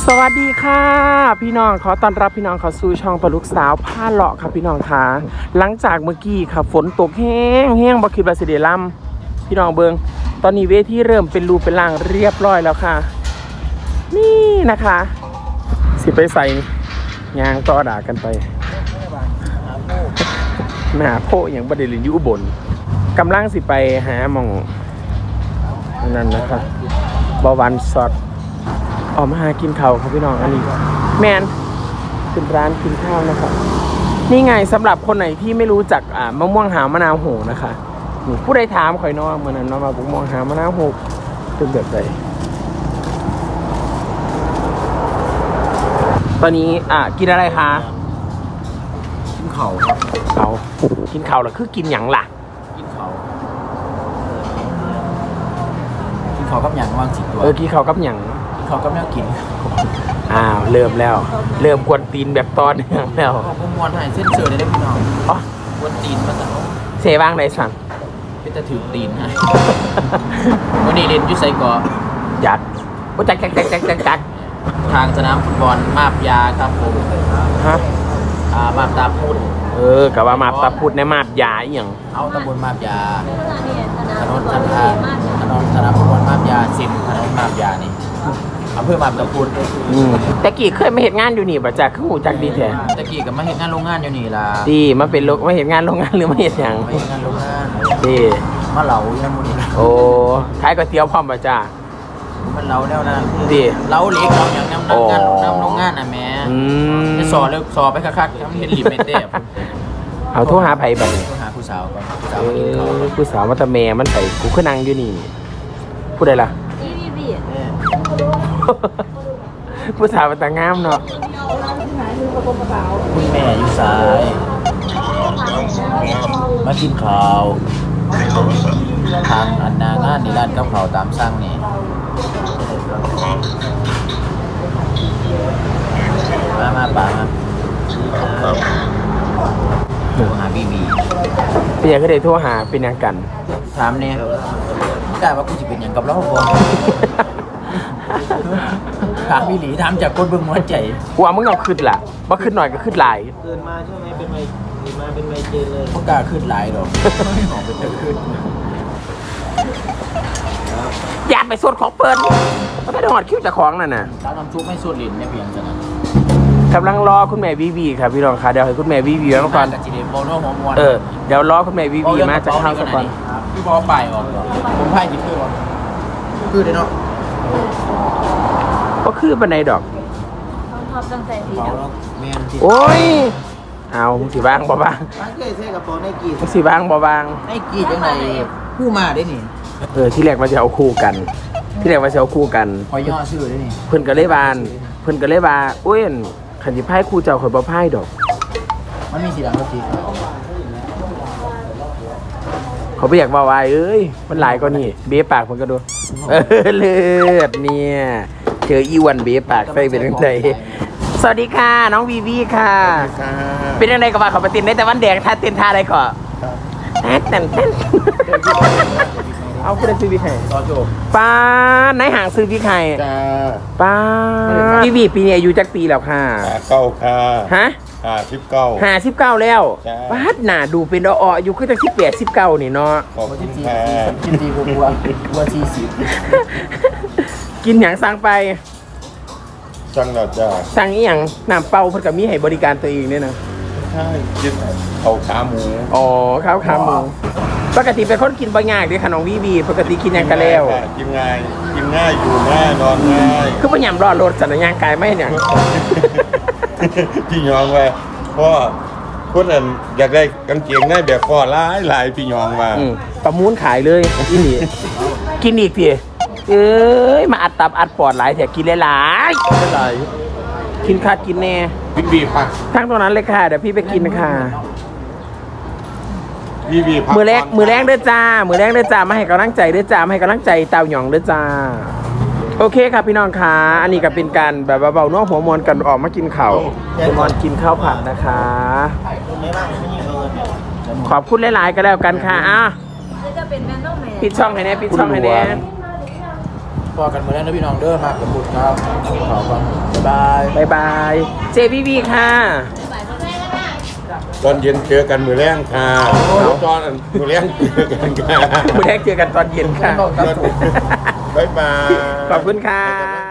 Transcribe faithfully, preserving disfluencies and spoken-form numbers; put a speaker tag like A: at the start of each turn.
A: สวัสดีค่ะพี่น้องขอต้อนรับพี่น้องเข้าสู่ช่องปลุกสาวผ้าเลาะครับพี่น้องค่ะหลังจากเมื่อกี้ค่ะฝนตกแห้งแห้งบ่คิดว่าสิได้ล่ำพี่น้องเบิงตอนนี้เวทีเริ่มเป็นรูเป็นร่างเรียบร้อยแล้วค่ะนี่นะคะสิไปใส่ยางต่อด่ากันไปหน้าโพอย่างประเด็นอยู่อุบลกำลังสิไปหาหม่องนั่นนะคะบวันสดออกมาหากินข้าวครับพี่น้องอันนี้แมนเป็นร้านกินข้าวนะครับนี่ไงสำหรับคนไหนที่ไม่รู้จักอ่ามะม่วงหาวมะนาวโหนะคะนี่ผู้ใดถามข่อยน้องเมื่อนั้นน้องมาบุกมองหามะนาวโหเป็นแบบไหนตอนนี้อ่ากินอะไรคะ
B: กินเข่า
A: เขากินข้าวหรอคือกินหยังล่ะ
B: กินเข่ากินเข่ากับหยังว่างสิตัว
A: เออกินข้าวกับหยัง
B: เขาก็ไม่กิน
A: อ้าวเริ่มแล้วเริ่มกวนตีนแบบตอนเนื่องแล้ว
B: ผมมวนให้เส้นเสือได้พี่น้อง
A: อ๋อก
B: วนตีนมาสั่ง
A: เสบ้างไหนสั่ง
B: เป็นจะถือตีนให้วันนี้เรียนยุทธไซก่อ
A: ยัดโอ้จักจักจักจักจักจัก
B: ทางสนามฟุตบอลมาบยาครับผม
A: ฮะ
B: อ่ามาบตาพูด
A: เออกับว่ามาบตาพูดในมาบยาอย่าง
B: เอาตำบลมาบยาถนนสันทาถนนสนามฟุตบอลมาบยาสินถนนมาบยานี่อำเภอมาบตาพูด
A: แต่กี้เคยมาเห็นงานอยู่นี่ป่ะจ๊ะคือหูจักดีแท้
B: แต่กี้ก็มาเห็นงานโรงงานอยู่นี่ล่ะ
A: ดีมาเป็นโรงมาเห็นงานโรงงานหรือมาเห็นอย่าง
B: มาเห็นงานโรงงาน
A: ดี
B: มาเหลาอย่างนู้นนี่
A: โอ้ขายก๋วยเตี๋ยวพร้อมป่ะจ๊ะ
B: มันเหลาแนวนั้น
A: ดี
B: เหลาเล็กเหลาอย่างน้ำน้ำงานน้ำโรงงานน่ะแม่จะสอเลยสอไปคักๆทำเป็นหลีเมเต้
A: เอาโทรหาไผ่บัด
B: โทรหาผู้สาวก่อนผู้สาว
A: มากินข้าวผู้สาวมาตะแม่มันไผ่กูขึ้นนั่งอยู่นี่พูดได้ล่ะผู้สาวมันตางามเนาะ
B: คุณแม่อยู่สายมากินข้าวทางอันนางานในร้านกับข้าวตามสั่งนี่มามาป่ามาโทรหาบีบี
A: เป็นยังก็ได้โทรหาเป็นยังกัน
B: ถามเนี่ยกล้าว่ากูจะเป็นยังกับเราบ่ถามพี่หลีถามจากคนเบิ่งหัวใจ
A: กูว่ามึงเอาขึ้นล่ะว่าขึ้นหน่อยก็ขึ้นหลาย
B: เกินมาใช่ไหมเป็นไมเกินมาเป็นไมเจนเลยพวกกล้าขึ้นหลายหรอกไม่หอมเป็นจะขึ้น
A: อย่าไปสวดของเปิดก็ไม่ได้หอดคิ้วจากของนั่นน่ะ
B: ร้านน้ำซุปไม่สวดลิ้นไม่เพียงจะนั้น
A: กำลังรอคุณแม่วีวีครับพี่น้องค่ะเดี๋ยวให้คุณแม่วีวีมาก่อนเออเดี๋ยวรอคุณแม่วีวีมาจะเข้าสักก่อน
B: พี่บอลไปออกผมไพ่จิตคือวะคือได้เนาะ
A: ก็คือบันไดดอก
C: ชอบตั้งใจดีเนาะ
A: โอ้ยเอาสีบางบ่บาง
B: ตั้งใจใส่กระเป๋าไนกี้
A: สีบางบ่บาง
B: ไนกี้จังไหนคู่มาได้นี่
A: เออที่แรกว่าจะเอาคู่กันที่แรกว่าจะเอาคู่กัน
B: พอย่อชื่อได้นี่
A: เพิ่นก็เลยบานเพิ่นก็เลยว่าโอ้ยขันสิไพ่คู่เจ้าข่อยบ่ไพ่ดอก
B: มันมีสีดำกับสี
A: เขาไม่อยากว่าวายเอ้ยมันหลายกว่านี่เบ๊ปากมันก็ดูเออเลือดเนี่ยเจออีวันเบ๊ปากใส่เป็นยังไงสวัสดีค่ะน้องวีวีค่ะเป็นยังไงกับว่าเขาไปตินได้แต่วันแดงท่าเต้นท่าอะไรก่อนเต้นเต้นเต้นเอาคุณได้ซื้อวิไข่ป้าไหนห่างซื้อวิไข่ป้าวีวีปีนี้อายุจักปีแล้วค่ะ
D: เก้าค่ะ
A: ฮะ
D: ห้าสิบเก้า
A: ห้าสิบเก้าแล้วป้าหน้าดูเป็นอ่ออยู่คือตั้งสิบแปดสิบเก้านี่เนาะ
D: ขอบคุณค่ะ
B: กินดีบัวบัวบัวสี่สิบ
A: กินอย่างสั่งไป
D: สั่งแล้วจ้า
A: สั่งอีหยังน้ำเปล่าเพิ่นก็มีให้บริการตัวเองเนี่ยนะ
D: ใช่กินข้าวขาหมู
A: อ๋อข้าวขาหมูปกติเป็นคนกินบ่ง่ายเด้ค่ะน้องวีวีปกติกินยังกันแล้ว
D: กินง่ายกินง่ายอยู่ง่ายนอนง่าย
A: คือบ่ยำรอดรถสัญญาณกายไม่เนี่ย
D: พี่ยองไว้เพราะคนนั้นอยากได้กางเกงได้แบบพ่อหลายหลายพี่ยองมา
A: ประมูลขายเลยอีนี่กินอีกพี่เอ้ยมาอัดตับอัดปอดหลายแถกินหลายๆหลายกินขาดกินแน่
D: พี่บีพัก
A: ทั้งตรงนั้นเลยค่ะเดี๋ยวพี่ไปกินค่ะ
D: พี่บีพัก
A: มือแรกมือแรกเด้อจ้ามือแรกเด้อจ้ามาให้กำลังใจเด้อจ้ามาให้กำลังใจเต่าหยองเด้อจ้าโอเคครับพี่น้องค่ะอันนี้ก็เป็นการแบบเบาๆน้องหัวมอนกันออกมากินข้าวหัวมอนกินข้าวผัดนะคะขอบคุณหลายๆก็แล้วกันค่ะอ่ะปิดช่องให้แน่ปิดช่องให้แน่
B: พอกันมาแล้วนะพี่น้องเด้อมากกับบุตรครับขอบคุณบาย
A: บายบายเจพี่วีค่ะ
D: ตอนเย็นเจอกันมือแรงค่ะตอนมือแรงเจอกันค่ะ
A: มือแรกเจอกันตอนเย็นค่ะ
D: บ๊ายบาย
A: ขอบคุณค่ะ